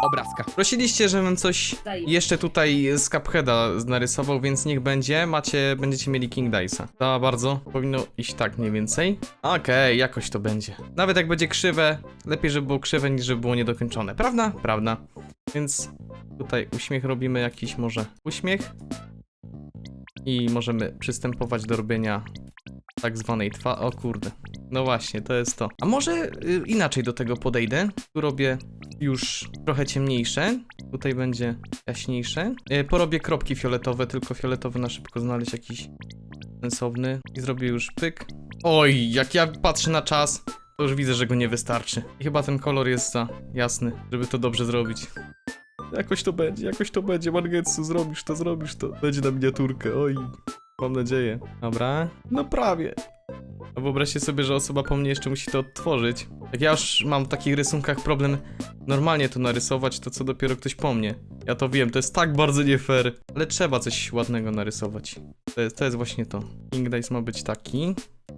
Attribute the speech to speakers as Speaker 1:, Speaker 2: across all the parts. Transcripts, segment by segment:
Speaker 1: obrazka.
Speaker 2: Prosiliście, żebym coś jeszcze tutaj z Cupheada narysował, więc niech będzie. Będziecie mieli King Dice'a. To bardzo powinno iść tak mniej więcej. Okej, jakoś to będzie. Nawet jak będzie krzywe, lepiej, żeby było krzywe, niż żeby było niedokończone. Prawda? Prawda. Więc tutaj uśmiech robimy jakiś może uśmiech. I możemy przystępować do robienia tak zwanej o kurde. No właśnie, to jest to. A może inaczej do tego podejdę. Tu robię już trochę ciemniejsze. Tutaj będzie jaśniejsze. Porobię kropki fioletowe, tylko fioletowy na szybko znaleźć jakiś sensowny. I zrobię już pyk. Oj, jak ja patrzę na czas, to już widzę, że go nie wystarczy. I chyba ten kolor jest za jasny, żeby to dobrze zrobić. Jakoś to będzie, Mangetsu, zrobisz to. Będzie na miniaturkę, oj. Mam nadzieję. Dobra, no prawie. A wyobraźcie sobie, że osoba po mnie jeszcze musi to odtworzyć. Jak ja już mam w takich rysunkach problem normalnie to narysować, to co dopiero ktoś po mnie. Ja to wiem, to jest tak bardzo nie fair. Ale trzeba coś ładnego narysować. To jest właśnie to. King Dice ma być taki.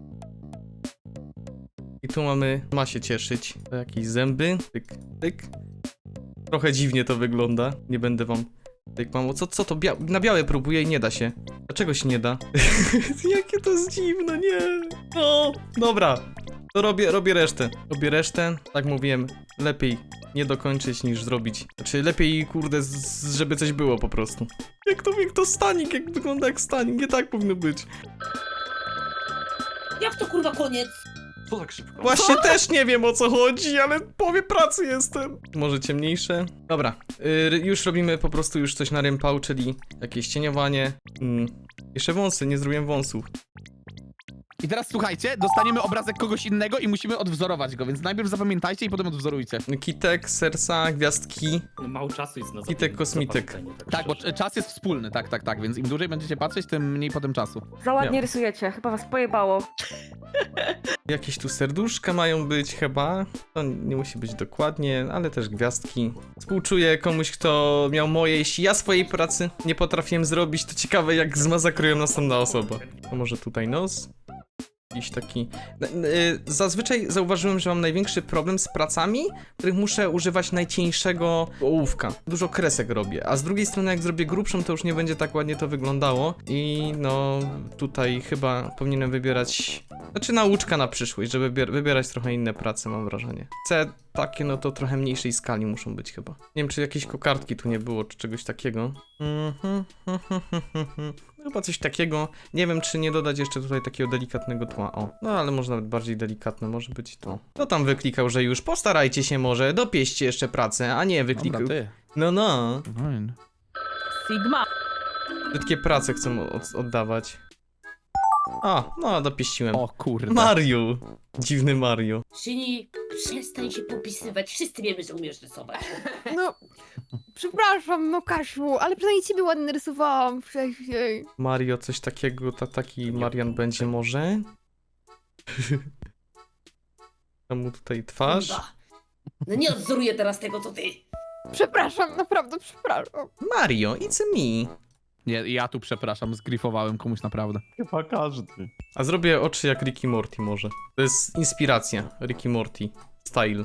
Speaker 2: I tu ma się cieszyć. To jakieś zęby. Tyk, tyk. Trochę dziwnie to wygląda. Nie będę wam... Tak, mamo, co to? Na białe próbuję i nie da się. Dlaczego się nie da? Jakie to jest dziwne, nie. No, dobra. To robię resztę. Robię resztę. Tak mówiłem, lepiej nie dokończyć niż zrobić. Znaczy lepiej, kurde, żeby coś było po prostu. Jak to stanik, jak wygląda jak stanik. Nie tak powinno być.
Speaker 3: Jak to kurwa koniec?
Speaker 4: Co tak szybko?
Speaker 2: Właśnie też nie wiem o co chodzi, ale w połowie pracy jestem. Może ciemniejsze? Dobra, już robimy po prostu już coś na rympał, czyli jakieś cieniowanie. Jeszcze wąsy, nie zrobiłem wąsów.
Speaker 1: I teraz słuchajcie, dostaniemy obrazek kogoś innego i musimy odwzorować go, więc najpierw zapamiętajcie i potem odwzorujcie.
Speaker 2: Kitek, serca, gwiazdki.
Speaker 4: Mało czasu jest na
Speaker 2: Kitek, kosmitek.
Speaker 4: zapamiętanie,
Speaker 1: Tak, bo
Speaker 4: szczerze.
Speaker 1: czas jest wspólny, tak, więc im dłużej będziecie patrzeć, tym mniej potem czasu.
Speaker 5: Za ładnie
Speaker 2: Nie.
Speaker 5: rysujecie, chyba was pojebało.
Speaker 2: Jakieś tu serduszka mają być chyba. To nie musi być dokładnie, ale też gwiazdki. Współczuję komuś, kto miał moje. Jeśli ja swojej pracy nie potrafiłem zrobić, to ciekawe jak zmasakrują następna osoba. To może tutaj nos. Jakiś taki... Zazwyczaj zauważyłem, że mam największy problem z pracami, w których muszę używać najcieńszego ołówka. Dużo kresek robię, a z drugiej strony jak zrobię grubszą, to już nie będzie tak ładnie to wyglądało. I no, tutaj chyba powinienem wybierać... Znaczy nauczka na przyszłość, żeby wybierać trochę inne prace, mam wrażenie. Chcę takie, no to trochę mniejszej skali muszą być chyba. Nie wiem, czy jakieś kokardki tu nie było, czy czegoś takiego. Chyba coś takiego. Nie wiem, czy nie dodać jeszcze tutaj takiego delikatnego tła. O, no ale może nawet bardziej delikatne może być to. Kto tam wyklikał, że już postarajcie się może, dopieście jeszcze pracę, a nie wyklikał.
Speaker 1: Dobra, ty.
Speaker 2: No.
Speaker 1: Fajnie.
Speaker 5: Sigma.
Speaker 2: Wszystkie prace chcę oddawać. A, no dopieściłem.
Speaker 1: O kurde.
Speaker 2: Mario. Dziwny Mario.
Speaker 3: Szyni, przestań się popisywać. Wszyscy wiemy, że umiesz rysować.
Speaker 6: No, przepraszam, no Kasiu, ale przynajmniej ciebie ładnie rysowałam wcześniej.
Speaker 2: Mario, coś takiego, taki Marian będzie może? Tam mu tutaj twarz.
Speaker 3: Kurwa. No nie odwzoruję teraz tego, co ty.
Speaker 6: Przepraszam, naprawdę przepraszam.
Speaker 2: Mario, it's me.
Speaker 1: Nie, ja tu przepraszam, zgrifowałem komuś naprawdę.
Speaker 4: Chyba każdy.
Speaker 2: A zrobię oczy jak Ricky Morty może. To jest inspiracja Ricky Morty style.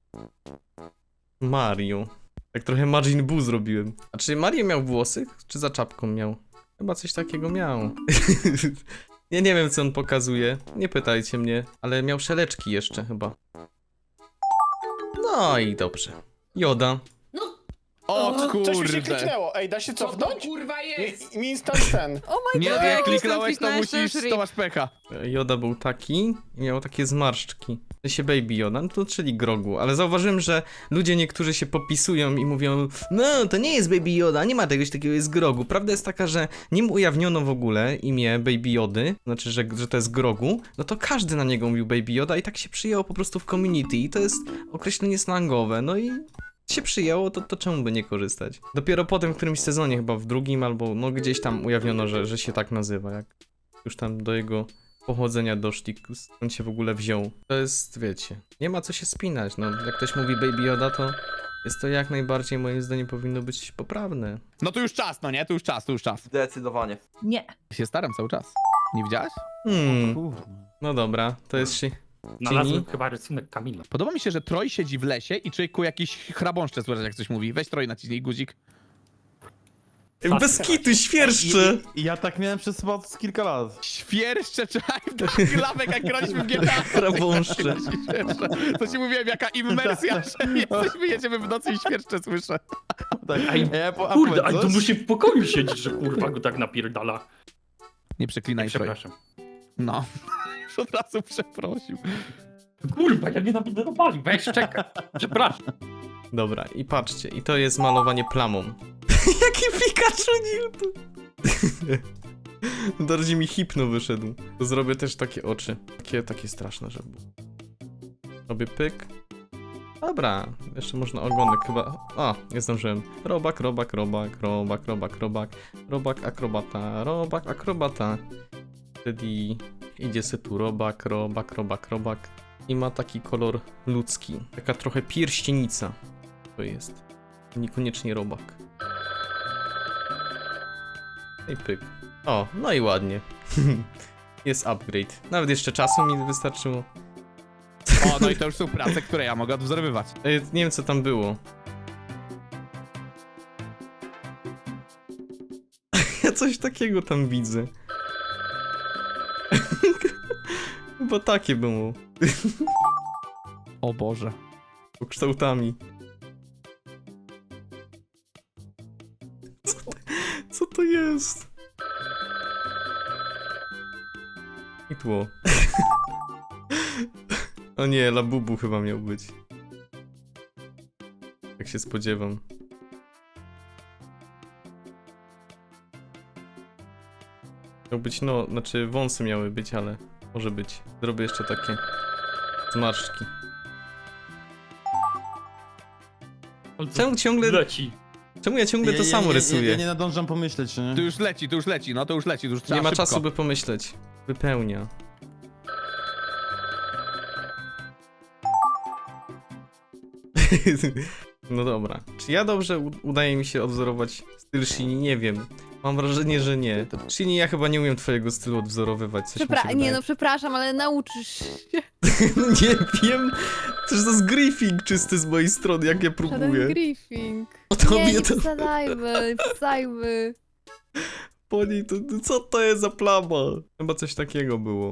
Speaker 2: Mario. Tak trochę Majin Buu zrobiłem. A czy Mario miał włosy? Czy za czapką miał? Chyba coś takiego miał. Ja nie wiem co on pokazuje. Nie pytajcie mnie. Ale miał szeleczki jeszcze chyba. No i dobrze. Joda.
Speaker 3: No,
Speaker 1: O
Speaker 7: Coś mi się
Speaker 1: kurde.
Speaker 7: kliknęło. Ej, da się
Speaker 3: co to
Speaker 7: cofnąć?
Speaker 3: kurwa jest?
Speaker 7: Mi instant ten.
Speaker 6: O my
Speaker 1: Nie,
Speaker 6: god,
Speaker 1: jak
Speaker 6: jak
Speaker 1: kliknąłeś, to
Speaker 6: kliknąłeś,
Speaker 1: musisz,
Speaker 6: już
Speaker 1: to masz pecha.
Speaker 2: Joda był taki i miał takie zmarszczki. To się Baby Yoda, no to czyli Grogu. Ale zauważyłem, że ludzie niektórzy się popisują i mówią: no to nie jest Baby Yoda, nie ma czegoś takiego, jest Grogu. Prawda jest taka, że nim ujawniono w ogóle imię Baby Jody, znaczy, że to jest Grogu, no to każdy na niego mówił Baby Yoda i tak się przyjęło po prostu w community i to jest określenie slangowe, no i się przyjęło, to czemu by nie korzystać? Dopiero potem w którymś sezonie, chyba w drugim albo no gdzieś tam ujawniono, że się tak nazywa, jak już tam do jego pochodzenia doszli, skąd się w ogóle wziął. To jest, wiecie, nie ma co się spinać, no jak ktoś mówi Baby Yoda, to jest to jak najbardziej moim zdaniem powinno być poprawne.
Speaker 1: No to już czas, no nie? To już czas.
Speaker 4: Zdecydowanie.
Speaker 5: Nie.
Speaker 1: Się staram cały czas. Nie widziałaś?
Speaker 2: No dobra, to jest się...
Speaker 4: Znalazłem chyba rysunek Kamila.
Speaker 1: Podoba mi się, że Troj siedzi w lesie i człowieku jakiś chrabąszcze słyszeć, jak coś mówi. Weź Troj, naciśnij guzik.
Speaker 2: Bez kitu, świerszcze!
Speaker 4: I ja tak miałem przez chyba z kilka lat.
Speaker 1: Świerszcze, czekaj, to klawek, jak graliśmy w GTA.
Speaker 2: Chrabąszcze.
Speaker 1: Świerszcze. To ci mówiłem, jaka immersja, że jesteśmy, jedziemy w nocy i świerszcze słyszę.
Speaker 4: Tak.
Speaker 7: Ej,
Speaker 4: A
Speaker 7: Kurde,
Speaker 4: powiedz
Speaker 7: ale to
Speaker 4: coś?
Speaker 7: musi w pokoju siedzieć, że kurwa go tak napierdala.
Speaker 1: Nie przeklinaj, Troj.
Speaker 7: Przepraszam.
Speaker 1: No. Już od razu przeprosił.
Speaker 7: Kurwa, ja nie napierdolowali, weź czekaj. Przepraszam.
Speaker 2: Dobra, i patrzcie, i to jest malowanie plamą. Jaki Pikachu Newton! Bardziej mi hipno wyszedł. To zrobię też takie oczy. Takie straszne, żeby było. Robię pyk. Dobra, jeszcze można ogonek chyba. O, nie zdążyłem. Robak, robak, robak, robak, robak, robak. Robak, akrobata, robak, akrobata. Wtedy idzie se tu robak, robak, robak, robak. I ma taki kolor ludzki. Taka trochę pierścienica. To jest. Niekoniecznie robak. I pyk. O, no i ładnie. Jest upgrade. Nawet jeszcze czasu mi wystarczyło.
Speaker 1: O, no i to już są prace, które ja mogę odwzorowywać.
Speaker 2: Nie wiem co tam było. Ja coś takiego tam widzę. Chyba takie było.
Speaker 1: O Boże.
Speaker 2: Kształtami. Co to jest? I tło. O nie, Labubu chyba miał być. Jak się spodziewam. Miał być, no, znaczy wąsy miały być, ale może być. Zrobię jeszcze takie zmarszczki. Czemu ciągle...
Speaker 7: Leci.
Speaker 2: Czemu ja ciągle to samo rysuję?
Speaker 4: Ja nie nadążam pomyśleć, nie?
Speaker 1: To już leci, no to już leci, to już trzeba
Speaker 2: Nie ma
Speaker 1: szybko.
Speaker 2: czasu, by pomyśleć. Wypełnia. No dobra. Czy ja dobrze udaje mi się odwzorować styl Shini? Nie wiem. Mam wrażenie, że nie. Shini, ja chyba nie umiem twojego stylu odwzorowywać. Coś mi się
Speaker 6: Nie
Speaker 2: wydaje.
Speaker 6: no, przepraszam, ale nauczysz się.
Speaker 2: Nie wiem. Przecież to jest griefing czysty z mojej strony, jak ja
Speaker 6: Żaden
Speaker 2: próbuję.
Speaker 6: griefing.
Speaker 2: O tobie
Speaker 6: Nie, nie
Speaker 2: to...
Speaker 6: wsadzajmy.
Speaker 2: Po niej to... Co to jest za plama? Chyba coś takiego było.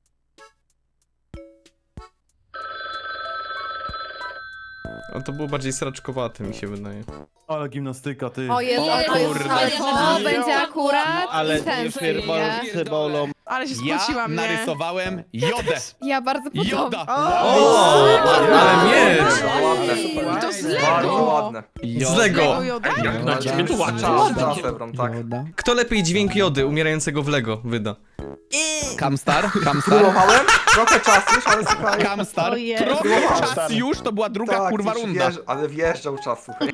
Speaker 2: A to było bardziej sraczkowate, mi się wydaje.
Speaker 4: Ale gimnastyka, ty.
Speaker 6: O jest,
Speaker 3: O
Speaker 6: kurde. Ale to będzie akurat
Speaker 8: Ale
Speaker 6: ten
Speaker 8: już
Speaker 6: styl, nie?
Speaker 8: cebulą.
Speaker 5: Ale się
Speaker 1: Ja
Speaker 5: spociłam, nie?
Speaker 1: narysowałem Jodę.
Speaker 6: Ja bardzo podobnie.
Speaker 1: Joda.
Speaker 2: O, ale miecz!
Speaker 5: I to z
Speaker 9: Bardzo
Speaker 5: Lego!
Speaker 9: ładne.
Speaker 2: Z Lego!
Speaker 5: Joda?
Speaker 7: Jak na ciebie tu łaczę.
Speaker 9: Czas, Ebron, tak.
Speaker 2: Kto lepiej dźwięk Jody umierającego w Lego wyda?
Speaker 1: Kamstar.
Speaker 9: Próbowałem, trochę czasu już, ale słuchaj.
Speaker 1: Kamstar.
Speaker 5: O jest.
Speaker 1: Trochę czas już, to była druga
Speaker 9: Tak,
Speaker 1: kurwa
Speaker 9: już
Speaker 1: runda.
Speaker 9: ale wjeżdżał czas, słuchaj.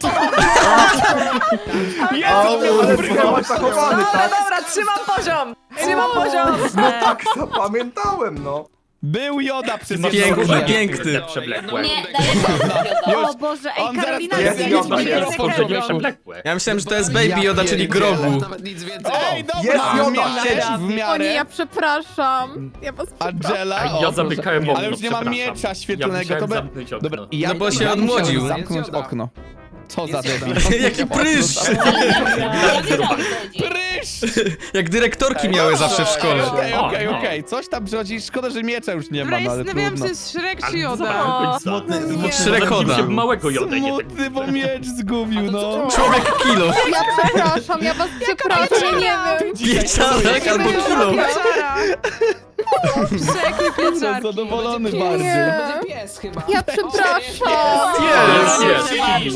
Speaker 1: Jezu,
Speaker 9: Byłeś zachowany, tak?
Speaker 5: Dobra, trzymam poziom! Trzymam poziom!
Speaker 9: No tak, zapamiętałem, no.
Speaker 1: Był Joda przez
Speaker 2: Piękny, piękny.
Speaker 7: Przewlekłe.
Speaker 3: Nie, daleko.
Speaker 6: O Boże, ej,
Speaker 1: On zaraz
Speaker 6: Karolina
Speaker 1: jest
Speaker 6: jest
Speaker 9: Joda,
Speaker 6: nie
Speaker 9: jest.
Speaker 7: Spojrzenie przewlekłe.
Speaker 2: Ja myślałem, że to jest Baby Yoda, czyli Grogu.
Speaker 8: Nawet nic więcej.
Speaker 1: Ej, dobra,
Speaker 9: Jest Joda,
Speaker 1: w miarę,
Speaker 9: siedzi.
Speaker 1: w
Speaker 6: O nie,
Speaker 1: miarę.
Speaker 6: ja przepraszam. Ja was przepraszam.
Speaker 1: Angela,
Speaker 7: A ja
Speaker 1: o, proszę.
Speaker 7: zamykałem okno,
Speaker 1: Ale już nie ma
Speaker 7: przepraszam.
Speaker 1: miecza świetlnego,
Speaker 7: Ja
Speaker 1: to
Speaker 7: musiałem
Speaker 1: by...
Speaker 7: zamknąć okno.
Speaker 1: Dobra, ja,
Speaker 2: No bo się
Speaker 1: ja musiałem
Speaker 2: odmłodził.
Speaker 1: zamknąć
Speaker 8: Jest
Speaker 1: okno. Co za
Speaker 8: Jest
Speaker 1: debil.
Speaker 2: Jaki prysz!
Speaker 3: Ja wiedziałam, o co chodzi.
Speaker 1: Prysz!
Speaker 2: Jak dyrektorki miały zawsze w szkole.
Speaker 1: Okej. Coś tam przychodzi, szkoda, że miecza już nie ma, no ale
Speaker 5: Zastanawiałam
Speaker 1: trudno.
Speaker 5: się, jest Shrek czy
Speaker 7: Ale
Speaker 5: Joda?
Speaker 7: zobaczyłem
Speaker 4: Smutny,
Speaker 6: Nie.
Speaker 4: smutny.
Speaker 2: Shrekoda.
Speaker 7: Się małego Jodę nie tak.
Speaker 1: Smutny, bo miecz zgubił, no.
Speaker 2: Człowiek kilo.
Speaker 6: Ja przepraszam, ja was przepraszam, nie wiem.
Speaker 2: Pieczarek albo kilo.
Speaker 5: Pieczara! Shrek i
Speaker 1: Jestem
Speaker 5: pieczarki.
Speaker 1: zadowolony
Speaker 8: Nie.
Speaker 1: bardziej.
Speaker 6: Nie.
Speaker 8: Będzie pies chyba.
Speaker 6: Ja przepraszam.
Speaker 2: Pies!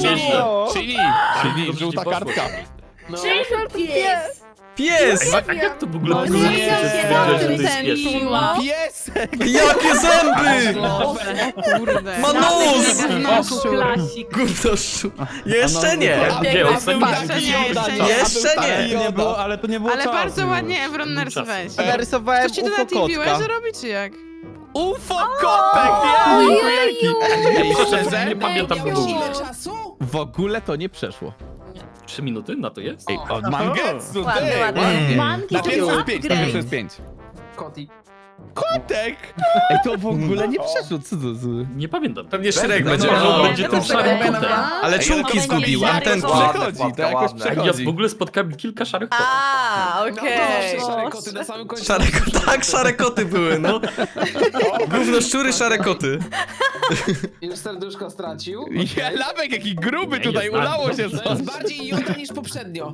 Speaker 1: Czyli żółta kartka.
Speaker 8: No.
Speaker 3: Pies.
Speaker 2: Pies!
Speaker 7: A jak to w ogóle
Speaker 6: No
Speaker 7: było?
Speaker 6: nie,
Speaker 7: Że stwierdziłeś, że to jest pies?
Speaker 1: Piesek!
Speaker 2: Jakie zęby!
Speaker 5: Kurde.
Speaker 2: Ma nos!
Speaker 5: Klasik.
Speaker 2: Gównoszczu. Jeszcze nie!
Speaker 7: Nie, ostatni
Speaker 2: Jeszcze nie.
Speaker 4: Nie było, ale to nie było
Speaker 5: Ale
Speaker 4: czasu.
Speaker 5: bardzo ładnie Evron narysowałeś.
Speaker 8: Narysowałem
Speaker 5: Ktoś ci to
Speaker 8: UFO
Speaker 5: na tym
Speaker 8: kotka.
Speaker 5: że robi czy jak?
Speaker 1: UFO kotek!
Speaker 6: Ojeju.
Speaker 1: Ej,
Speaker 7: Szczerze,
Speaker 1: szczerze?
Speaker 7: nie pamiętam w ogóle.
Speaker 8: Ile czasu?
Speaker 1: W ogóle to nie przeszło.
Speaker 7: 3 minuty na to jest?
Speaker 1: Ej, od Mangetsu,
Speaker 3: Ładnie,
Speaker 1: ty!
Speaker 3: ładnie.
Speaker 1: ładnie.
Speaker 3: Manki
Speaker 1: Na
Speaker 3: to
Speaker 1: pierwszy
Speaker 3: był
Speaker 1: jest 5, na
Speaker 3: upgrade.
Speaker 1: pierwszy jest 5.
Speaker 8: Koti.
Speaker 1: Kotek! Ej, to w ogóle nie przeszło, co to za...
Speaker 7: Nie pamiętam.
Speaker 2: Pewnie Shrek
Speaker 9: No,
Speaker 2: będzie.
Speaker 9: no,
Speaker 2: O,
Speaker 7: będzie tym szarym kotem.
Speaker 2: ale czubki zgubił, antenki.
Speaker 9: Ładne,
Speaker 1: Przechodzi,
Speaker 9: Władka,
Speaker 1: to jakoś
Speaker 9: ładne.
Speaker 7: Ja
Speaker 1: przechodzi.
Speaker 7: w ogóle spotkałem kilka szarych kotów.
Speaker 8: A, okej.
Speaker 10: Szare koty na samym końcu.
Speaker 2: Tak, szare koty były, no. Gówno szczury, szare koty.
Speaker 10: Już serduszko stracił.
Speaker 1: Ja, Lawek, jaki gruby
Speaker 7: Nie,
Speaker 1: tutaj,
Speaker 7: jest bardzo
Speaker 1: ulało się
Speaker 7: dobrze.
Speaker 10: To jest
Speaker 1: coś.
Speaker 10: bardziej Jota niż poprzednio.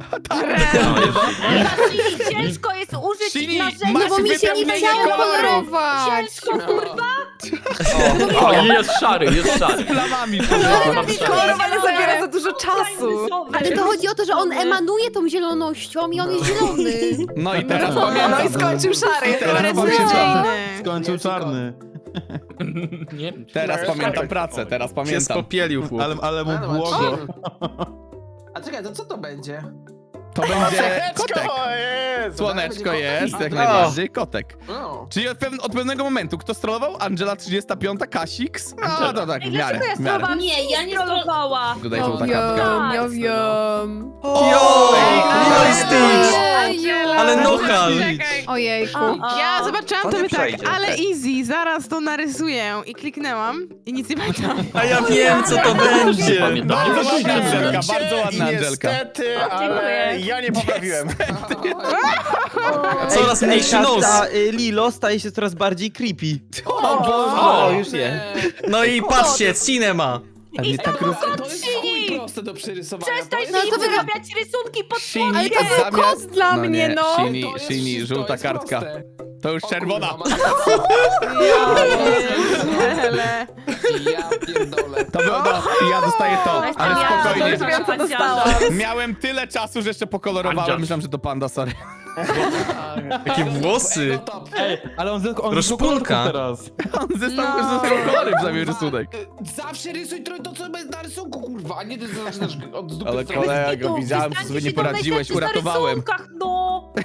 Speaker 3: Czyli ciężko jest użyć
Speaker 1: Czyli
Speaker 3: narzędzia,
Speaker 1: masz
Speaker 6: Bo mi się nie
Speaker 1: wypełnienie
Speaker 6: chciało
Speaker 1: kolorów.
Speaker 6: kolorować.
Speaker 3: ciężko, kurwa.
Speaker 7: O, jest szary, jest szary.
Speaker 1: Plamami.
Speaker 8: Kolorowanie zabiera za dużo czasu.
Speaker 6: Ale to chodzi o to, że on emanuje tą zielonością i on jest zielony.
Speaker 1: No i teraz
Speaker 8: No
Speaker 1: pamiętam.
Speaker 8: i skończył szary.
Speaker 1: Teraz pamiętam.
Speaker 5: Beznadziejny.
Speaker 4: Skończył czarny.
Speaker 7: Nie wiem.
Speaker 1: Teraz pamiętam pracę, teraz
Speaker 2: Się
Speaker 1: pamiętam.
Speaker 2: spopielił chłop.
Speaker 4: Ale mu
Speaker 10: A, no,
Speaker 4: błogo.
Speaker 10: A czekaj, to co to będzie?
Speaker 1: To będzie kotek. Słoneczko jest, jak najbardziej, kotek.
Speaker 10: No.
Speaker 1: Czyli od pewnego momentu, kto strollował? Angela 35, Kasix? No to tak, w miarę, w miarę.
Speaker 3: Nie, ja nie strollowała.
Speaker 1: Tutaj żółta kartka.
Speaker 6: Jom, jom.
Speaker 2: Jo! Lilo i Stitch!
Speaker 5: Angela,
Speaker 2: Ale nohal.
Speaker 5: czekaj.
Speaker 6: Ojejku.
Speaker 5: Ja zobaczyłam
Speaker 9: To
Speaker 5: to
Speaker 9: nie
Speaker 5: by tak,
Speaker 9: przejdzie.
Speaker 5: ale easy, zaraz to narysuję i kliknęłam i nic nie pamiętam.
Speaker 2: A ja wiem, co to będzie.
Speaker 1: Bardzo ładna Angelka, bardzo ładna Angelka.
Speaker 11: Niestety, ale
Speaker 3: Dziękuję.
Speaker 11: ja nie poprawiłem.
Speaker 2: Coraz mniejszy nos.
Speaker 11: Lilo staje się coraz bardziej creepy.
Speaker 7: O,
Speaker 11: już nie.
Speaker 2: No i patrzcie, cinema.
Speaker 1: A nie tak
Speaker 10: To jest chuj proste do przerysowania.
Speaker 3: Przestań
Speaker 10: To jest-
Speaker 3: mi wyrabiać rysunki pod
Speaker 1: Shini,
Speaker 6: Ale to był kos dla mnie, no.
Speaker 1: Shini,
Speaker 10: To jest
Speaker 1: Shini,
Speaker 10: wszystko,
Speaker 1: żółta
Speaker 10: jest
Speaker 1: kartka.
Speaker 10: proste.
Speaker 1: To już
Speaker 10: O
Speaker 1: czerwona.
Speaker 10: kurwa,
Speaker 5: Ale...
Speaker 10: Ja pierdolę.
Speaker 1: To było, no, ja dostaję to, ale
Speaker 3: Ja
Speaker 1: spokojnie.
Speaker 3: już wiem, co dostałam.
Speaker 1: Miałem tyle czasu, że jeszcze pokolorowałem.
Speaker 7: Andzias.
Speaker 1: Myślałem, że to panda, sorry.
Speaker 2: Jakie włosy.
Speaker 10: No top.
Speaker 4: Ej, ale on
Speaker 2: Rozpunka.
Speaker 4: teraz.
Speaker 1: On zestawił kolory w zamian rysunek.
Speaker 10: Zawsze rysuj to, co jest na rysunku, kurwa, a nie ty zaczynasz od dupy
Speaker 1: Ale
Speaker 10: strony.
Speaker 1: kolego, widziałem, że sobie nie poradziłeś, uratowałem.
Speaker 3: No.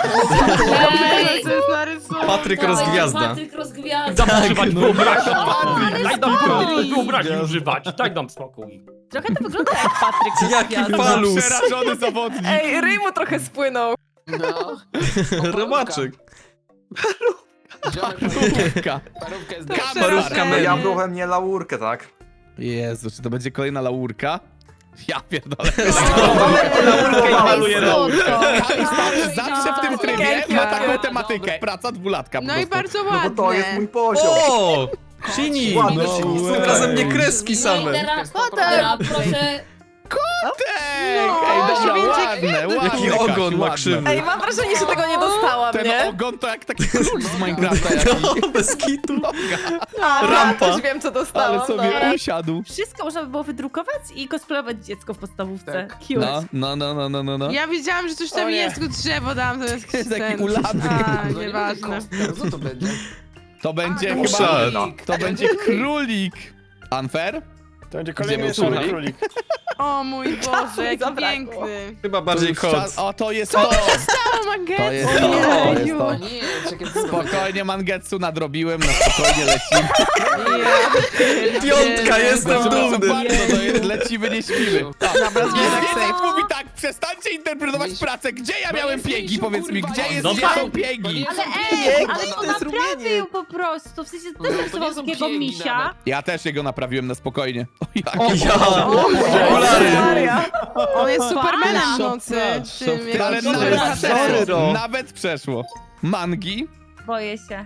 Speaker 5: Co jest na rysunku?
Speaker 2: Patryk Rozgwiazda.
Speaker 3: Patryk Rozgwiazda.
Speaker 7: Dam używać wyobraźni.
Speaker 1: Patryk,
Speaker 7: Daj nam wyobraźni używać. Daj nam spokój.
Speaker 3: Trochę to wygląda jak Patryk
Speaker 2: Jaki
Speaker 3: Rozgwiazda.
Speaker 2: falus.
Speaker 1: Przerażony zawodnik.
Speaker 8: Ej, ryj mu trochę spłynął.
Speaker 10: No.
Speaker 2: Robaczek.
Speaker 10: Ziomek,
Speaker 1: Parówka.
Speaker 10: parówka jest
Speaker 2: Parówka
Speaker 9: No ja
Speaker 2: Meli.
Speaker 9: byłem nie laurkę, tak?
Speaker 1: Jezu, czy to będzie kolejna laurka? Ja pierdolę.
Speaker 9: Maluję
Speaker 6: Słodko.
Speaker 1: Zawsze w tym trybie ma taką tematykę. Praca dwulatka po
Speaker 5: No i
Speaker 1: prostu.
Speaker 5: bardzo
Speaker 9: No
Speaker 5: ładne.
Speaker 9: bo to jest mój poziom.
Speaker 2: O! Shini!
Speaker 9: Ładny
Speaker 1: No
Speaker 9: Shini,
Speaker 1: way.
Speaker 9: super.
Speaker 2: Razem nie kreski
Speaker 3: No i
Speaker 2: same.
Speaker 3: teraz,
Speaker 6: Potem.
Speaker 3: teraz proszę.
Speaker 1: Ej,
Speaker 5: No,
Speaker 1: dobra,
Speaker 5: będzie
Speaker 1: ładne, ładne.
Speaker 2: Jaki
Speaker 1: Kasiu,
Speaker 2: ogon ma
Speaker 1: ładne.
Speaker 2: krzywy.
Speaker 8: Ej, mam wrażenie, że tego nie dostałam,
Speaker 1: Ten
Speaker 8: nie?
Speaker 1: ogon to jak taki król z Minecrafta jakiś.
Speaker 2: No, bez kitu.
Speaker 8: A,
Speaker 2: rampa.
Speaker 8: Już wiem, co dostałam.
Speaker 1: Ale sobie
Speaker 8: dobra.
Speaker 1: usiadł.
Speaker 3: Wszystko można by było wydrukować i cosplayować dziecko w podstawówce.
Speaker 10: Tak.
Speaker 3: Cute.
Speaker 1: No.
Speaker 5: Ja wiedziałam, że coś tam
Speaker 10: O nie.
Speaker 5: jest, tylko drzewo dałam zamiast
Speaker 1: Jest taki
Speaker 5: ten.
Speaker 1: ulany.
Speaker 5: A,
Speaker 10: No nie będzie
Speaker 5: nieważne.
Speaker 10: kostka, co to będzie?
Speaker 1: To będzie
Speaker 2: Musza.
Speaker 1: chyba... To będzie królik. Unfair?
Speaker 11: To będzie
Speaker 1: Gdzie
Speaker 11: kolejny
Speaker 1: był
Speaker 11: czarny
Speaker 1: królik?
Speaker 11: królik.
Speaker 5: O mój Boże, jaki
Speaker 8: zabrakło.
Speaker 5: piękny.
Speaker 2: Chyba bardziej kot.
Speaker 1: O, to jest to!
Speaker 5: O, Mangetsu.
Speaker 1: To jest to, to jest
Speaker 5: Jeju.
Speaker 1: to.
Speaker 10: O nie, czekaj, co to będzie?
Speaker 1: Spokojnie, Mangetsu nadrobiłem, na spokojnie lecimy.
Speaker 2: Piątka, jestem
Speaker 1: Przepraszam
Speaker 2: dumny.
Speaker 1: bardzo, to jest lecimy, nie śpimy.
Speaker 5: Dobra,
Speaker 1: Język mówi tak, przestańcie interpretować pracę. Gdzie ja miałem piegi, powiedz mi, gdzie jest
Speaker 7: No
Speaker 1: gdzie
Speaker 7: tak.
Speaker 1: są piegi?
Speaker 3: Ale ale on naprawił po prostu. W sensie
Speaker 10: No,
Speaker 3: też
Speaker 10: to
Speaker 3: rysował
Speaker 10: nie są
Speaker 3: takiego
Speaker 10: piegi
Speaker 3: misia.
Speaker 10: nawet.
Speaker 1: Ja też jego naprawiłem na spokojnie. O, jak
Speaker 2: Ja. Okulary.
Speaker 8: Maria.
Speaker 5: On jest Supermanem w nocy.
Speaker 4: Szopnacz,
Speaker 5: Tym,
Speaker 4: szopnacz.
Speaker 1: Ale
Speaker 5: jak-
Speaker 1: nawet
Speaker 11: Sorry,
Speaker 1: przeszło.
Speaker 11: Ro.
Speaker 1: Nawet przeszło. Mangi.
Speaker 3: Boję się.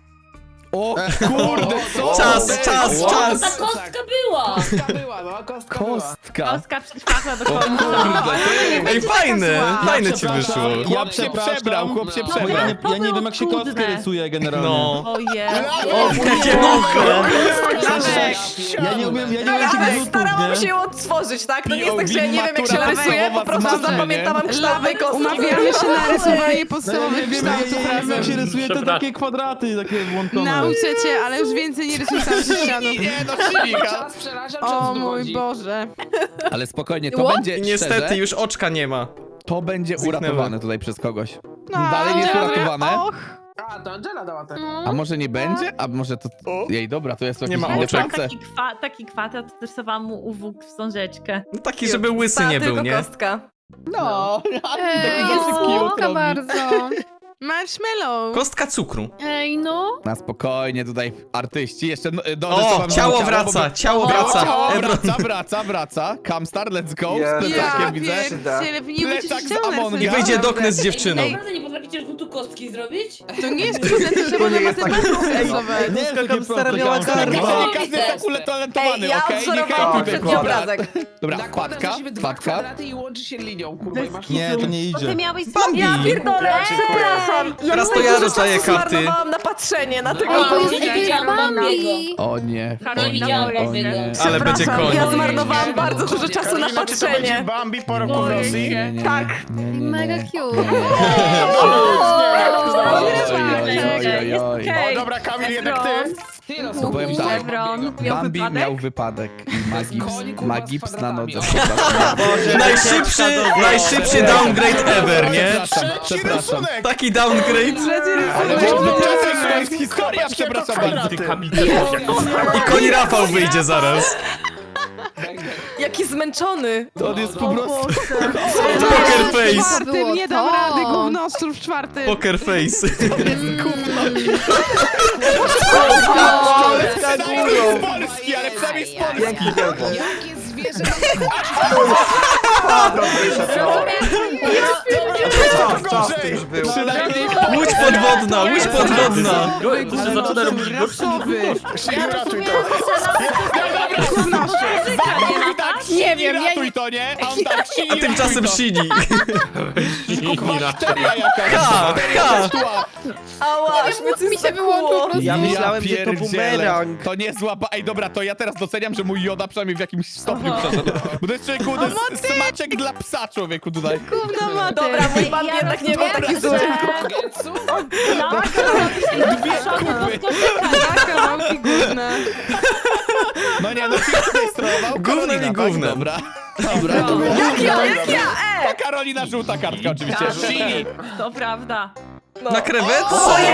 Speaker 1: O kurde, co?
Speaker 2: Czas,
Speaker 1: to jest?
Speaker 2: czas,
Speaker 3: O,
Speaker 2: czas.
Speaker 3: ta kostka była!
Speaker 10: Kostka była, no, kostka była.
Speaker 1: Kostka.
Speaker 3: Kostka przetrwała do
Speaker 1: O
Speaker 3: końca.
Speaker 1: kurde, ty.
Speaker 2: Ej, fajne. Fajne ci wyszło.
Speaker 1: Chłop się przebrał, chłop się
Speaker 10: No,
Speaker 4: Bo ja
Speaker 1: przebrał.
Speaker 4: nie,
Speaker 3: To
Speaker 4: ja nie
Speaker 3: było
Speaker 4: wiem jak się
Speaker 3: trudne.
Speaker 4: kostkę rysuje generalnie.
Speaker 2: No.
Speaker 3: O Jezu.
Speaker 2: Jakie oko.
Speaker 4: Ja nie umiem tych
Speaker 8: Ej,
Speaker 4: rzutów,
Speaker 8: starałam
Speaker 4: nie?
Speaker 8: się ją otworzyć, tak? To nie jest tak, że ja nie wiem, jak się
Speaker 1: Matura
Speaker 8: rysuje, po
Speaker 1: podstawowa
Speaker 8: prostu
Speaker 1: z matmy,
Speaker 8: zapamiętałam
Speaker 1: nie?
Speaker 8: kształty kostki.
Speaker 5: Umawiamy się na rysowanie
Speaker 4: No ja
Speaker 5: podstawowych
Speaker 4: nie wiem
Speaker 5: kształtów
Speaker 4: jak się
Speaker 5: razem.
Speaker 4: rysuje te
Speaker 7: Przepraszam.
Speaker 4: takie kwadraty, takie włączone.
Speaker 5: Nauczę cię, ale już więcej nie rysuj sam ze ścianą.
Speaker 1: Nie no, Chilika.
Speaker 10: Czas przeraża,
Speaker 5: O
Speaker 10: czas
Speaker 5: mój
Speaker 10: dochodzi.
Speaker 5: Boże.
Speaker 1: Ale spokojnie, to
Speaker 8: What?
Speaker 1: będzie
Speaker 2: I niestety
Speaker 1: szczerze,
Speaker 2: już oczka nie ma.
Speaker 1: to będzie
Speaker 2: Zniknęły.
Speaker 1: uratowane tutaj przez kogoś.
Speaker 5: No,
Speaker 1: Dalej nie jest
Speaker 5: Angela,
Speaker 1: uratowane?
Speaker 5: Och,
Speaker 10: A, to Angela dała tak.
Speaker 1: A może nie będzie? A może to... Jej, dobra, to jest
Speaker 2: Nie
Speaker 1: jakieś
Speaker 2: ma
Speaker 1: inne
Speaker 2: oczek.
Speaker 1: prace.
Speaker 3: Taki kwadrat, to rysowałam mu uwóg w wstążeczkę.
Speaker 2: No taki, żeby łysy nie był,
Speaker 8: tylko
Speaker 2: nie?
Speaker 8: kostka.
Speaker 1: No,
Speaker 6: Ej,
Speaker 1: taki
Speaker 6: jest
Speaker 1: cute
Speaker 6: słodka
Speaker 1: robi.
Speaker 6: bardzo.
Speaker 5: Marshmallow.
Speaker 2: Kostka cukru.
Speaker 6: Ej, no.
Speaker 1: Na spokojnie tutaj artyści. Jeszcze
Speaker 2: O, ciało wraca, ciało wraca.
Speaker 1: Ciało
Speaker 2: Ebron.
Speaker 1: wraca. Camstar, let's go.
Speaker 9: Jest.
Speaker 1: Z plecakiem widzę.
Speaker 5: pierdzielę, wy nie
Speaker 1: Plecak
Speaker 5: będziecie
Speaker 1: z
Speaker 5: ściągnąć.
Speaker 1: Amonga.
Speaker 2: I wyjdzie do okna z dziewczyną.
Speaker 3: Ej, naprawdę nie potraficie tu kostki zrobić?
Speaker 5: To nie jest trudne, to trzeba
Speaker 9: nie
Speaker 5: na
Speaker 9: jest
Speaker 5: matematykę
Speaker 9: takie-
Speaker 5: stosować.
Speaker 4: Nie jest takie proste,
Speaker 11: miała
Speaker 4: Kamstar.
Speaker 11: karma.
Speaker 1: Każdy jest tak utalentowany,
Speaker 8: Ej, ja
Speaker 1: okej?
Speaker 8: odwzorowałam
Speaker 1: Niech
Speaker 8: poprzedni
Speaker 1: tutaj
Speaker 8: obrazek.
Speaker 1: Dobra,
Speaker 10: Nakładasz
Speaker 1: wpadka,
Speaker 10: na siebie dwa
Speaker 1: wpadka.
Speaker 10: kwadraty i łączy się linią, kurwa, i masz
Speaker 4: Nie, to nie idzie.
Speaker 2: Bambi!
Speaker 8: Ja pierdolę, przepraszam.
Speaker 2: Teraz to
Speaker 8: dużo
Speaker 2: ja rozdaję
Speaker 8: czasu
Speaker 2: karty.
Speaker 8: zmarnowałam na patrzenie na tego.
Speaker 3: Ej,
Speaker 6: To jest
Speaker 3: nie
Speaker 6: jakieś
Speaker 3: widziałam
Speaker 6: Bambi.
Speaker 1: O nie.
Speaker 3: Nie widziałam
Speaker 1: o
Speaker 3: tego.
Speaker 1: nie.
Speaker 2: Ale będzie
Speaker 8: Przepraszam,
Speaker 2: koń.
Speaker 8: ja zmarnowałam bardzo dużo czasu na patrzenie.
Speaker 11: Bambi po roku
Speaker 3: Boję
Speaker 11: Rosji?
Speaker 3: się.
Speaker 8: Tak.
Speaker 6: Mega cute.
Speaker 11: O, dobra, Kamil, jednak ty.
Speaker 10: Ty no,
Speaker 1: To powiem tak. Bambi miał wypadek i ma gips na nodze.
Speaker 2: Najszybszy downgrade ever, nie?
Speaker 1: Przepraszam.
Speaker 2: Taki downgrade.
Speaker 1: Ale to jest historia, przepraszam bardzo.
Speaker 7: Ty Kamil też jak to
Speaker 2: I koń Rafał wyjdzie zaraz.
Speaker 8: Jaki zmęczony.
Speaker 1: To on jest po prostu...
Speaker 2: Poker face.
Speaker 5: Czwartym, nie dam
Speaker 6: to.
Speaker 5: rady, gównostrów w czwartym.
Speaker 2: Poker face.
Speaker 1: Przynajmniej z Polski, ale przynajmniej z Polski.
Speaker 9: Dzięki wielko.
Speaker 10: jakie zwierzę
Speaker 9: Co z tym już było?
Speaker 1: Przynajmniej
Speaker 2: Łódź podwodna, łódź podwodna.
Speaker 7: To się zaczyna robić gorsze.
Speaker 11: Szyju, ratuj to.
Speaker 6: Nie wiem, ja
Speaker 1: ratuj to, nie? A on tak
Speaker 2: A tymczasem Shini.
Speaker 1: bakteria jakaś.
Speaker 2: Ha, ha.
Speaker 8: Ała, aż mnie coś
Speaker 6: mi się wyłączył po prostu.
Speaker 11: Ja myślałem, że to
Speaker 1: pierdzielę.
Speaker 11: bumerang.
Speaker 1: To nie zła Ej, dobra, to ja teraz doceniam, że mój Joda przynajmniej w jakimś stopniu przeszedł. Bo to jest człowieku, to jest smaczek dla psa, człowieku, tutaj.
Speaker 5: Gówno maty.
Speaker 8: Dobra, mój Bambi jednak nie był taki zły.
Speaker 10: Getsu?
Speaker 1: Dwie kupy.
Speaker 5: Kawałki gówna.
Speaker 1: No nie, no ty tutaj sterował.
Speaker 2: Gównem
Speaker 1: Karolina,
Speaker 2: i
Speaker 1: tak?
Speaker 2: gównem.
Speaker 1: Dobra. Dobra.
Speaker 8: Jak ja?
Speaker 1: To Karolina żółta kartka oczywiście. Shini.
Speaker 3: To prawda.
Speaker 2: Na krewetce?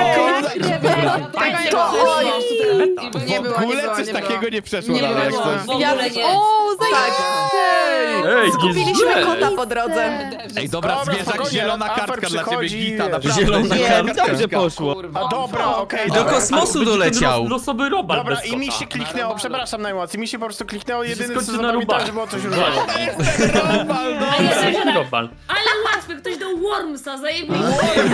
Speaker 5: Nie
Speaker 1: W
Speaker 5: było,
Speaker 1: ogóle
Speaker 5: nie było,
Speaker 1: coś
Speaker 5: nie było.
Speaker 1: takiego nie przeszło
Speaker 5: Nie
Speaker 1: dalej, jak
Speaker 5: było.
Speaker 1: coś.
Speaker 3: W ogóle nie.
Speaker 6: O, zajebiście.
Speaker 7: Ej,
Speaker 8: Zgubiliśmy kota po drodze.
Speaker 1: Ej, dobra,
Speaker 11: Dobra,
Speaker 1: zwierzak,
Speaker 11: spokojnie,
Speaker 1: zielona
Speaker 11: Afer
Speaker 1: kartka dla ciebie,
Speaker 11: przychodzi,
Speaker 1: Gita,
Speaker 11: wiesz.
Speaker 1: naprawdę.
Speaker 2: Zielona
Speaker 1: Nie,
Speaker 2: kartka.
Speaker 4: Dobrze poszło.
Speaker 11: A dobra, okej.
Speaker 2: Do
Speaker 11: dobra.
Speaker 2: kosmosu doleciał.
Speaker 7: Losowy robal
Speaker 11: Dobra,
Speaker 7: bez
Speaker 11: i mi
Speaker 7: kota.
Speaker 11: się kliknęło, przepraszam najmocniej, mi się po prostu kliknęło, jedyne co
Speaker 7: skończy na
Speaker 11: zapamiętałem,
Speaker 7: rubale.
Speaker 11: że było coś różowego.
Speaker 1: Robal, no.
Speaker 3: A ja sobie
Speaker 7: Losowy robal.
Speaker 3: ale łatwy, ktoś do Wormsa, zajebiście.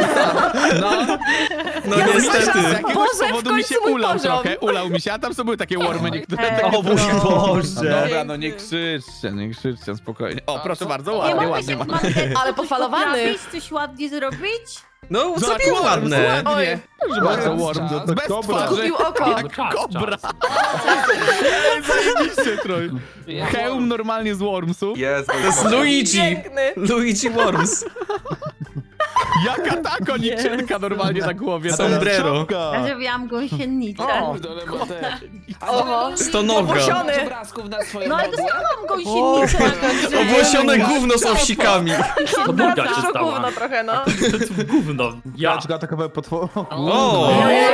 Speaker 2: No niestety.
Speaker 1: Z jakiegoś
Speaker 8: Boże, w
Speaker 1: powodu mi się
Speaker 8: końcu mój
Speaker 1: ulał
Speaker 8: poziom.
Speaker 1: trochę, ulał mi się, a tam są były takie wormy niektóre. Takie
Speaker 4: O mój Boże.
Speaker 1: Dobra, no nie krzyczcie, spokojnie. O, proszę bardzo, ładnie, ładnie.
Speaker 8: Ale pofalowany.
Speaker 3: coś ładnie zrobić?
Speaker 2: No, zrobił ładne.
Speaker 1: Ładnie. Proszę bardzo, worm. Bez twarzy.
Speaker 8: Kupił oko.
Speaker 7: No czas,
Speaker 1: Kobra.
Speaker 7: czas.
Speaker 1: Zajebiście trochę. Hełm normalnie z wormsów.
Speaker 9: Jest,
Speaker 2: To jest Luigi.
Speaker 8: Piękny.
Speaker 2: Luigi Worms.
Speaker 1: Jaka ta koniczynka normalnie na głowie.
Speaker 2: Sombrero.
Speaker 3: Zrobiłam gąsienicę.
Speaker 10: Kurde, ale ma te...
Speaker 8: Oho.
Speaker 2: Stonoga.
Speaker 8: Owłosiony.
Speaker 10: obrazków na swoje
Speaker 3: No ale
Speaker 10: modłę?
Speaker 3: dostałam gąsienicę na górze.
Speaker 2: Owłosione gówno z owsikami.
Speaker 7: To buga się
Speaker 8: To
Speaker 7: stała.
Speaker 8: gówno trochę, no.
Speaker 7: To gówno. Ja.
Speaker 4: Kaczka atakowały potwór.
Speaker 2: O,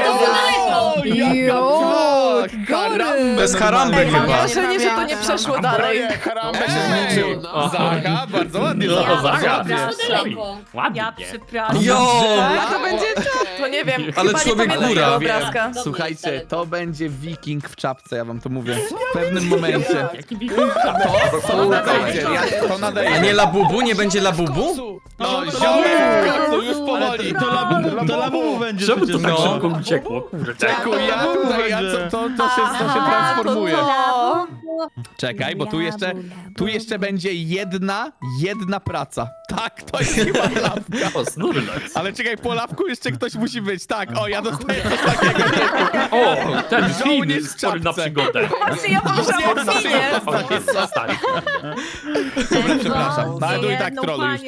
Speaker 1: Karambe.
Speaker 2: bez haramby
Speaker 8: Ej, mam
Speaker 2: chyba.
Speaker 8: wrażenie, że to nie przeszło dalej.
Speaker 11: Broje, Harambe się
Speaker 1: Ej,
Speaker 11: zmęczył.
Speaker 1: Zacha, bardzo ładnie.
Speaker 7: No,
Speaker 1: Zacha.
Speaker 7: Zacha.
Speaker 3: Daleko.
Speaker 7: Ładnie.
Speaker 3: przepraszam.
Speaker 2: Jo!
Speaker 5: A to będzie
Speaker 8: To nie wiem,
Speaker 2: Ale
Speaker 8: chyba
Speaker 2: człowiek
Speaker 8: nie pamiętam
Speaker 2: góra.
Speaker 8: tego
Speaker 1: Wiem.
Speaker 8: obrazka.
Speaker 1: Słuchajcie, to będzie wiking w czapce, ja wam to mówię. W pewnym momencie.
Speaker 7: Jaki wiking?
Speaker 1: To nadejdzie, to
Speaker 2: A
Speaker 1: nadejdzie.
Speaker 2: nie labubu? Nie będzie labubu?
Speaker 1: No, ziomek, to już powoli.
Speaker 4: To labu będzie
Speaker 7: Czemu to
Speaker 4: przecież.
Speaker 7: tak
Speaker 2: No.
Speaker 7: szybko uciekło? Kurde.
Speaker 1: Czekuj, ja tutaj, to się transformuje.
Speaker 8: To...
Speaker 1: Czekaj, bo tu jeszcze będzie jedna praca. Tak, to jest chyba lawka.
Speaker 7: O, snurlec.
Speaker 1: Ale czekaj, po lawku jeszcze ktoś musi być. Tak, o, ja dostaję coś takiego.
Speaker 7: O, ten
Speaker 1: Żołnierz
Speaker 7: film
Speaker 1: w
Speaker 7: spory na
Speaker 1: czapce.
Speaker 7: przygodę.
Speaker 8: Znaczy ja pomyślałam o finie.
Speaker 7: O, zostań.
Speaker 1: Dobra, przepraszam. No, ale tu i tak troll już.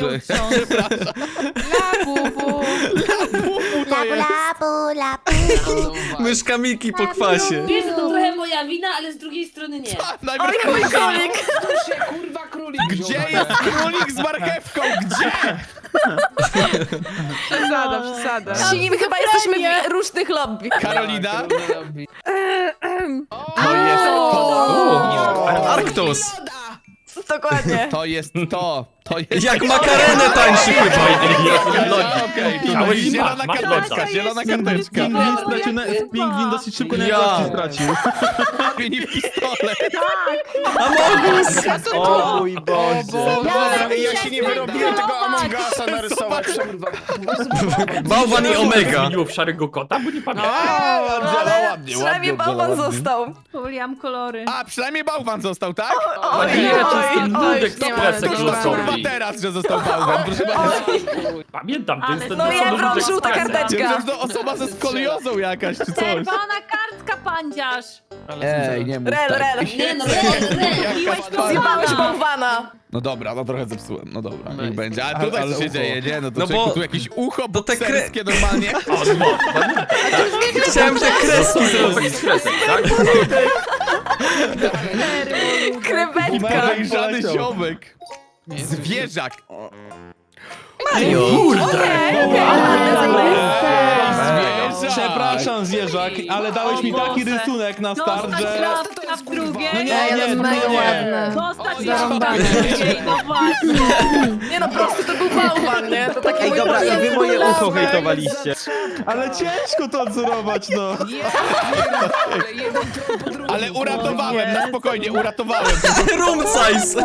Speaker 5: Labubu.
Speaker 1: To jest.
Speaker 2: Myszka Miki po kwasie.
Speaker 3: Wiesz, że to trochę moja wina, ale z drugiej strony nie.
Speaker 1: Najpierw
Speaker 8: Oj, mój królik.
Speaker 10: Tu się kurwa królik
Speaker 1: Gdzie
Speaker 10: wziął.
Speaker 1: jest królik z marchewką? Gdzie?
Speaker 5: Przesada.
Speaker 8: Sini, my chyba jesteśmy w różnych lobby.
Speaker 1: Karolina?
Speaker 10: O,
Speaker 1: To jest to.
Speaker 2: Arktos.
Speaker 8: Dokładnie.
Speaker 1: To jest to. To jest...
Speaker 2: Jak makarenę tańczy chyba.
Speaker 1: Okej,
Speaker 7: Chciałeś
Speaker 1: zielona
Speaker 7: masz, masz
Speaker 1: karteczka,
Speaker 7: loda.
Speaker 1: zielona karteczka.
Speaker 4: Pingwin stracił pingwin dosyć szybko na jakości stracił.
Speaker 1: Mini pistolet.
Speaker 2: Amogus!
Speaker 4: O mój Boże.
Speaker 11: Ej, ja się nie wyrobiłem tego Among Usa narysować.
Speaker 2: Bałwan i Omega.
Speaker 7: Zmieniło w szarego kota, bo nie pamiętam.
Speaker 8: Ale
Speaker 1: ładnie,
Speaker 8: przynajmniej
Speaker 1: ładnie,
Speaker 8: bałwan
Speaker 1: ładnie.
Speaker 8: został.
Speaker 3: Poliam kolory.
Speaker 1: A, przynajmniej bałwan został, tak?
Speaker 8: Oj,
Speaker 7: Nie, to jest ten
Speaker 8: oj,
Speaker 7: nudek
Speaker 5: nie
Speaker 7: z
Speaker 5: ma
Speaker 7: presek
Speaker 1: Któż
Speaker 5: tego
Speaker 1: to kurwa
Speaker 7: losowy.
Speaker 1: teraz, że został bałwan? Proszę bardzo.
Speaker 7: Pamiętam, to jest ten
Speaker 8: No
Speaker 7: losowy
Speaker 8: Jewron,
Speaker 7: nudek z
Speaker 8: żółta
Speaker 7: presek.
Speaker 1: Ja
Speaker 8: karteczka.
Speaker 1: myślałem, że to osoba ze skoliozą jakaś, czy coś.
Speaker 3: Czerwona kartka, pandziarz.
Speaker 1: Ej, nie mów
Speaker 8: Rel,
Speaker 1: tak.
Speaker 8: rel.
Speaker 3: Nie no, Miłeś
Speaker 8: Zjebałeś bałwana.
Speaker 1: No dobra, no trochę zepsułem, no dobra, niech będzie. A
Speaker 4: Ale-
Speaker 1: tutaj
Speaker 4: ale
Speaker 1: co się
Speaker 4: ucho.
Speaker 1: dzieje, nie? No to
Speaker 2: No
Speaker 1: człowieku,
Speaker 2: bo-
Speaker 1: tu jakieś ucho
Speaker 2: to te
Speaker 1: bokserskie normalnie.
Speaker 7: O, no,
Speaker 2: Chciałem te kreski zrobić.
Speaker 7: z kresek, tak?
Speaker 8: Krewetka.
Speaker 1: Podejrzany
Speaker 4: poleciał.
Speaker 1: ziomek. Zwierzak.
Speaker 2: Mario!
Speaker 1: Zwierzak.
Speaker 4: Przepraszam, zwierzak, ale dałeś mi taki rysunek na start, że...
Speaker 3: Dostać w drugie.
Speaker 4: No nie, nie.
Speaker 3: Dostać
Speaker 6: Zarąbane.
Speaker 3: no właśnie.
Speaker 8: Nie no, prosty to był bałwan, nie? To taki
Speaker 4: Ej,
Speaker 8: mój
Speaker 4: dobra, i
Speaker 8: prosty
Speaker 4: wy moje
Speaker 8: bałwan.
Speaker 4: ucho hejtowaliście. Ale ciężko to odzorować, no.
Speaker 1: Ale uratowałem, na spokojnie, uratowałem.
Speaker 2: Room size!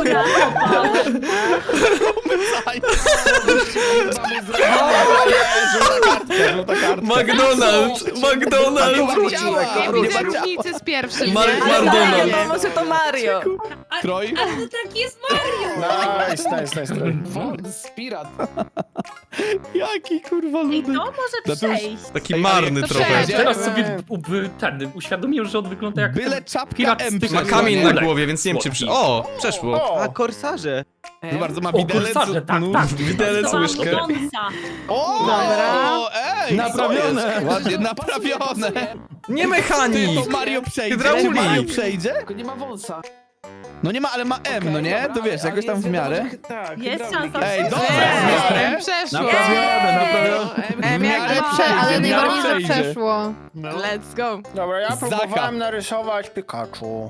Speaker 1: Żółta kartka.
Speaker 2: McDonald's! McDonald's!
Speaker 5: Nie widzę różnicy z pierwszym, nie?
Speaker 2: McDonald's.
Speaker 8: No może to Mario.
Speaker 1: Troj?
Speaker 3: Ale to taki jest Mario.
Speaker 11: Nice.
Speaker 10: Spirat.
Speaker 1: Jaki kurwa
Speaker 3: I
Speaker 1: ludek.
Speaker 3: to może
Speaker 1: No to już-
Speaker 3: przejść.
Speaker 2: Taki marny
Speaker 5: To
Speaker 2: trochę.
Speaker 5: przejdzie.
Speaker 7: Teraz sobie uświadomiłem, że on wygląda jak
Speaker 1: Byle
Speaker 7: ten
Speaker 1: czapka
Speaker 7: pirat
Speaker 1: M
Speaker 7: z tych-
Speaker 2: Ma
Speaker 1: przeszła,
Speaker 2: kamień
Speaker 1: nie?
Speaker 2: na głowie, więc nie wiem czy przy... O! Przeszło.
Speaker 4: A korsarze.
Speaker 1: Proszę bardzo, ma
Speaker 7: O,
Speaker 1: widelec.
Speaker 7: kursarze, tak,
Speaker 1: nóż.
Speaker 7: tak.
Speaker 2: Widelec, łyżkę.
Speaker 1: O,
Speaker 5: Dobra.
Speaker 1: Ej,
Speaker 4: Naprawione.
Speaker 1: co jest? Ładnie naprawione.
Speaker 2: Nie
Speaker 1: Ty,
Speaker 2: mechanik!
Speaker 1: to Mario przejdzie?
Speaker 2: Hydraulik.
Speaker 1: Czy Mario przejdzie?
Speaker 10: Tylko nie ma wąsa.
Speaker 1: No nie ma, ale ma M, no nie? To wiesz, jakoś tam w miarę.
Speaker 10: Tak,
Speaker 3: Jest
Speaker 10: hydraulik.
Speaker 3: szansa.
Speaker 1: Ej, dobra,
Speaker 5: M
Speaker 1: dobra.
Speaker 5: przeszło.
Speaker 4: Naprawione.
Speaker 5: M
Speaker 1: W
Speaker 5: jak
Speaker 1: miarę
Speaker 5: ma.
Speaker 1: przejdzie,
Speaker 6: Ale
Speaker 1: w
Speaker 6: nie
Speaker 1: miarę
Speaker 6: ma nic, że
Speaker 1: przejdzie.
Speaker 6: przeszło.
Speaker 5: Let's go.
Speaker 11: Dobra, ja
Speaker 1: Zaka.
Speaker 11: próbowałem narysować Pikachu.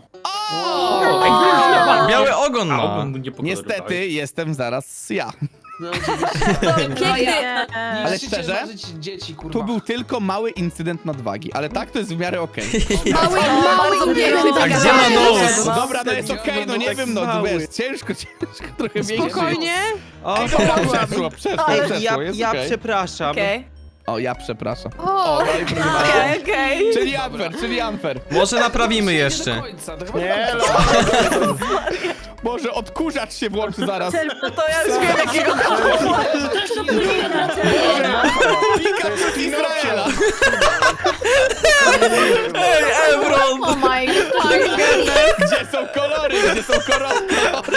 Speaker 2: Biały ogon
Speaker 7: A
Speaker 2: ma.
Speaker 7: ogon mu nie pokolorowałeś.
Speaker 1: Niestety jestem zaraz ja.
Speaker 8: Piękny.
Speaker 1: Ale
Speaker 10: Musicie
Speaker 1: szczerze,
Speaker 10: zważyć dzieci, kurwa.
Speaker 1: tu był tylko mały incydent nadwagi, ale tak to jest w miarę okej.
Speaker 6: Mały
Speaker 8: bardzo
Speaker 6: i piękny.
Speaker 8: piękny.
Speaker 2: A gdzie ma nos?
Speaker 1: No dobra, no jest okej, no nie wiem, no
Speaker 4: mały.
Speaker 1: wiesz, ciężko, trochę większy.
Speaker 5: Spokojnie.
Speaker 4: O,
Speaker 1: Przeszło, jest
Speaker 4: ja
Speaker 1: okej.
Speaker 4: przepraszam.
Speaker 8: Okej.
Speaker 1: O, ja przepraszam.
Speaker 6: O,
Speaker 1: O, no i proszę bardzo.
Speaker 8: Okej.
Speaker 1: Czyli unfair.
Speaker 2: Może naprawimy
Speaker 10: Do
Speaker 2: jeszcze.
Speaker 10: końca, to chyba
Speaker 11: Nie,
Speaker 1: Może odkurzacz się włączy zaraz.
Speaker 8: No to ja już wiem jakiego.
Speaker 1: Pikachu z Izraela.
Speaker 2: Ej, Evron!
Speaker 6: oh my god.
Speaker 1: Gdzie są kolory? Gdzie są kolory?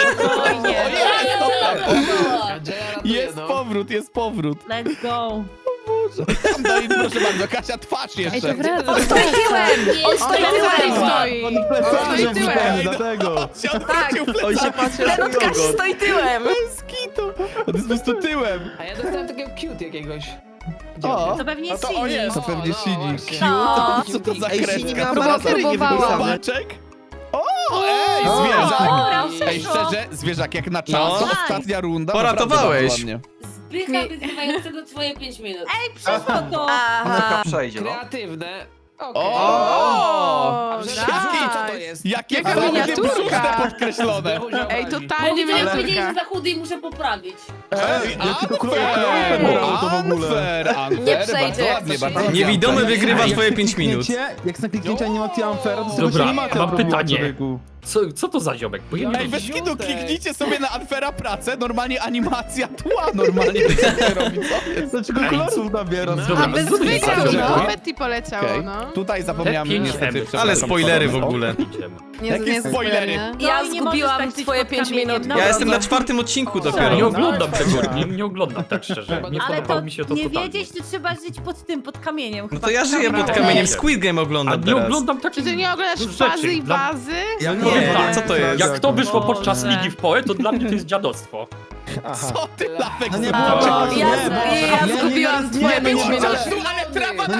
Speaker 1: Jest powrót, jest powrót.
Speaker 3: Let's go.
Speaker 1: No i proszę bardzo, Kasia, twarz
Speaker 6: Ej, to
Speaker 1: jeszcze.
Speaker 6: wraca.
Speaker 8: On stoi tyłem! On stoi tyłem!
Speaker 5: Stoi.
Speaker 4: On plecami
Speaker 5: Stoi tyłem.
Speaker 4: zupełnie, dlatego.
Speaker 1: Się odwrócił
Speaker 4: On się patrzy na
Speaker 8: Ten
Speaker 4: twój
Speaker 8: Kaś
Speaker 4: ogon.
Speaker 8: stoi tyłem!
Speaker 1: bez kitu. On jest po prostu tyłem.
Speaker 10: A ja dostałem takiego cute jakiegoś.
Speaker 1: O,
Speaker 3: To pewnie
Speaker 11: No to o
Speaker 3: Sini.
Speaker 11: jest.
Speaker 1: to pewnie
Speaker 10: no
Speaker 1: Sini.
Speaker 10: właśnie.
Speaker 8: No.
Speaker 1: Co to za
Speaker 4: Ej, Sini
Speaker 1: kreska?
Speaker 4: miała
Speaker 1: To
Speaker 4: baterie nie
Speaker 6: próbowałam.
Speaker 4: wypisane.
Speaker 1: Zobaczek. O, ej, zwierzak.
Speaker 3: Dobra,
Speaker 1: Ej,
Speaker 3: przeszło.
Speaker 1: szczerze, zwierzak jak na czas.
Speaker 2: No.
Speaker 1: Ostatnia runda.
Speaker 2: Poratowałeś.
Speaker 1: naprawdę bardzo ładnie.
Speaker 3: Zbycha wygrywającego twoje 5 minut. Ej, przeszło to.
Speaker 8: Aha.
Speaker 9: Przejdzie, no.
Speaker 10: Kreatywne. Okej.
Speaker 1: O,
Speaker 5: O,
Speaker 10: Dzięki, co to jest?
Speaker 1: jakie
Speaker 5: Jaka
Speaker 1: fajne
Speaker 5: miniaturka.
Speaker 1: brzuszne podkreślone.
Speaker 5: Ej,
Speaker 3: Bo
Speaker 5: totalnie
Speaker 3: widzę, że powiedzieli,
Speaker 5: miniaturka.
Speaker 3: że za chudy i muszę poprawić.
Speaker 1: Ej,
Speaker 4: Ja tylko
Speaker 1: unfair,
Speaker 4: kolorowałem to w ogóle.
Speaker 1: unfair,
Speaker 8: Nie przejdzie.
Speaker 1: Bardzo ładnie, bardzo ładnie.
Speaker 2: Niewidomy wygrywa
Speaker 4: Jak
Speaker 2: twoje 5 minut.
Speaker 4: Jak na kliknięcie animacji Unfair, to
Speaker 7: Dobra,
Speaker 4: się nie ma
Speaker 7: mam pytanie.
Speaker 4: człowieku.
Speaker 7: Co to za ziomek? Bo ja nie
Speaker 1: Ej,
Speaker 7: wiem.
Speaker 1: bez kitu, kliknijcie sobie na Unfaira pracę, normalnie animacja tła, normalnie nie robi, co jest?
Speaker 4: Dlaczego kolorów nabieram?
Speaker 7: Dobra,
Speaker 5: A bez
Speaker 7: co to jest
Speaker 5: zwykłych,
Speaker 7: za ziomek?
Speaker 5: no. Betty poleciało,
Speaker 1: Okej,
Speaker 5: no.
Speaker 1: tutaj
Speaker 7: Te
Speaker 1: zapomniałem
Speaker 7: 5
Speaker 1: niestety,
Speaker 7: M.
Speaker 1: przepraszam.
Speaker 2: Ale spoilery w ogóle.
Speaker 1: Jakie spoilery?
Speaker 8: Ja
Speaker 3: No i nie
Speaker 8: zgubiłam
Speaker 3: możesz tak
Speaker 8: twoje
Speaker 3: być
Speaker 8: 5
Speaker 3: pod kamieniem.
Speaker 8: minut.
Speaker 3: No
Speaker 2: Ja jestem na
Speaker 3: dobra.
Speaker 2: 4. odcinku
Speaker 7: Nie
Speaker 2: dopiero.
Speaker 7: oglądam tego, nie oglądam tak szczerze. Nie
Speaker 3: Ale
Speaker 7: podobało
Speaker 3: to
Speaker 7: mi się to
Speaker 3: nie
Speaker 7: totalnie.
Speaker 3: wiedzieć, to trzeba żyć pod kamieniem.
Speaker 2: No to ja żyję pod kamieniem, Squid Game
Speaker 7: A
Speaker 2: oglądam
Speaker 7: nie
Speaker 2: teraz.
Speaker 7: oglądam
Speaker 5: Czy
Speaker 7: takich
Speaker 5: ty nie oglądasz
Speaker 7: rzeczy.
Speaker 5: fazy i
Speaker 7: Dla-
Speaker 5: bazy?
Speaker 4: Ja
Speaker 2: Nie, co to jest?
Speaker 7: Jak to wyszło podczas
Speaker 3: Boże.
Speaker 7: Ligi w Poe, to dla mnie to jest dziadostwo.
Speaker 1: Co ty, Lapek,
Speaker 4: No nie,
Speaker 1: zobaczysz?
Speaker 8: Ja zgubiłam twoje 5 minut.
Speaker 1: Ale trawa na głowie to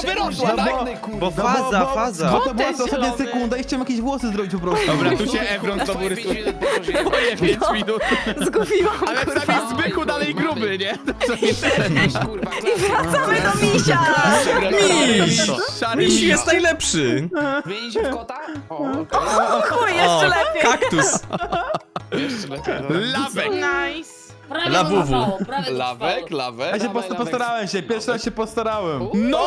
Speaker 1: wyrosła, tak?
Speaker 9: Bo faza, faza.
Speaker 4: Bo to była ostatnia sekunda i chciałem jakieś włosy zrobić po prostu.
Speaker 1: Dobra, tu się Evron znowu rysuje. Moje 5 minut.
Speaker 8: Zgubiłam,
Speaker 1: Ale przynajmniej Zbychu dalej gruby, nie? To
Speaker 10: Kurwa,
Speaker 8: wracamy do misia!
Speaker 2: Miś!
Speaker 1: Szary
Speaker 2: Miś jest najlepszy!
Speaker 10: Zmienić się w kota? O, okej.
Speaker 8: Chuj, jeszcze lepiej.
Speaker 2: Kaktus!
Speaker 10: Jeszcze lepiej.
Speaker 1: Lawek.
Speaker 5: Nice.
Speaker 3: Prawie
Speaker 2: Lawuwu.
Speaker 3: to trwało, prawie to
Speaker 1: Lawek,
Speaker 3: trwało.
Speaker 1: lawek.
Speaker 4: Ja się postarałem się, pierwszy raz się postarałem.
Speaker 1: No!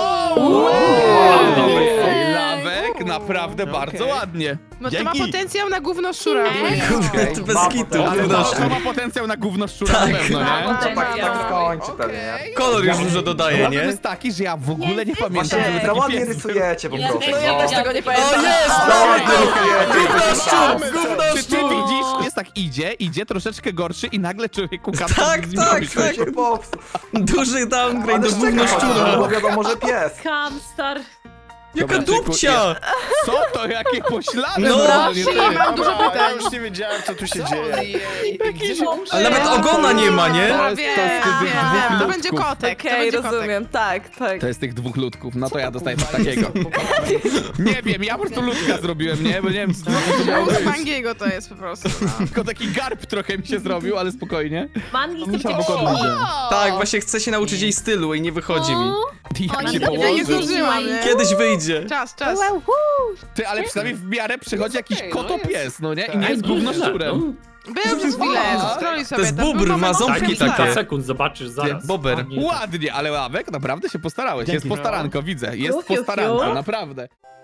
Speaker 3: Ej.
Speaker 1: Lawek, naprawdę bardzo ładnie.
Speaker 5: No to ma
Speaker 4: Dzięki.
Speaker 5: potencjał na gówno szczura.
Speaker 2: Kurde, to bez kitu,
Speaker 1: Ale
Speaker 2: gówno
Speaker 1: to ma potencjał na gówno szczura na
Speaker 2: Tak.
Speaker 1: pewno, nie?
Speaker 9: Tak skończy pewnie, nie?
Speaker 2: Kolor już dużo dodaje,
Speaker 1: Problem
Speaker 2: nie?
Speaker 1: jest taki, że ja w ogóle nie pamiętam,
Speaker 9: Właśnie,
Speaker 1: żeby
Speaker 9: za
Speaker 1: taki
Speaker 9: ładnie
Speaker 1: pies był.
Speaker 9: rysujecie po
Speaker 3: Ja
Speaker 9: prostu.
Speaker 3: też
Speaker 8: Ja też tego nie pamiętam.
Speaker 2: O jest! Gówno szczur! Gówno
Speaker 1: Czy ty
Speaker 2: szczur!
Speaker 1: widzisz, jest tak idzie troszeczkę gorszy i nagle człowieku kapta
Speaker 2: Tak,
Speaker 1: z nim
Speaker 2: tak,
Speaker 1: robi coś.
Speaker 2: tak.
Speaker 9: Się popsuł.
Speaker 2: Duży downgrade do
Speaker 9: Ale
Speaker 2: gówno
Speaker 9: szczeka,
Speaker 2: szczura!
Speaker 9: bo wiadomo, że pies.
Speaker 3: Kamstar.
Speaker 2: Jaka
Speaker 1: Dobra,
Speaker 2: dupcia!
Speaker 1: Co to, jakie poślady
Speaker 2: No.
Speaker 1: normalnie, ty.
Speaker 5: Mam dużo
Speaker 11: Dobra, ja
Speaker 5: pytań.
Speaker 11: już nie wiedziałem, co tu się dzieje.
Speaker 2: Ale nawet ogona nie ma, nie?
Speaker 1: To
Speaker 5: Wiem,
Speaker 1: jest z tych
Speaker 5: wiem,
Speaker 1: dwóch
Speaker 5: to będzie
Speaker 1: ludków.
Speaker 5: kotek, to
Speaker 8: Okej,
Speaker 5: będzie kotek.
Speaker 8: rozumiem, tak, tak.
Speaker 1: To jest tych dwóch ludków, no to ja dostaję coś takiego. Nie wiem, ja po prostu ludka zrobiłem, nie? Bo nie wiem, co to miało
Speaker 5: Plus
Speaker 1: być.
Speaker 5: Mangiego to jest po prostu. No.
Speaker 1: Tylko taki garb trochę mi się zrobił, ale spokojnie.
Speaker 3: Mangi z tym
Speaker 4: Musiał pokonać.
Speaker 2: Tak, właśnie chcę się nauczyć jej stylu i nie wychodzi mi.
Speaker 1: Jak
Speaker 3: Oni
Speaker 1: się
Speaker 3: to
Speaker 5: Ja nie
Speaker 1: położy.
Speaker 5: zdążyłam, nie?
Speaker 2: Kiedyś wyjdzie.
Speaker 5: Czas, czas.
Speaker 1: Ty, ale przynajmniej w miarę przychodzi jakiś kotopies, no nie? I nie jest gówno szczurem.
Speaker 5: Był przez chwilę, scrolluj sobie.
Speaker 2: To jest
Speaker 5: tam był
Speaker 2: bóbr, ma
Speaker 5: moment,
Speaker 2: ząbki
Speaker 5: kiedy-
Speaker 2: takie.
Speaker 7: sekund, zobaczysz zaraz.
Speaker 2: Bober.
Speaker 1: Ładnie, ale Ławek naprawdę się postarałeś. Jest
Speaker 4: Dzięki.
Speaker 1: postaranko, widzę. Jest
Speaker 8: Fiu, fiu, fiu.
Speaker 1: postaranko, naprawdę.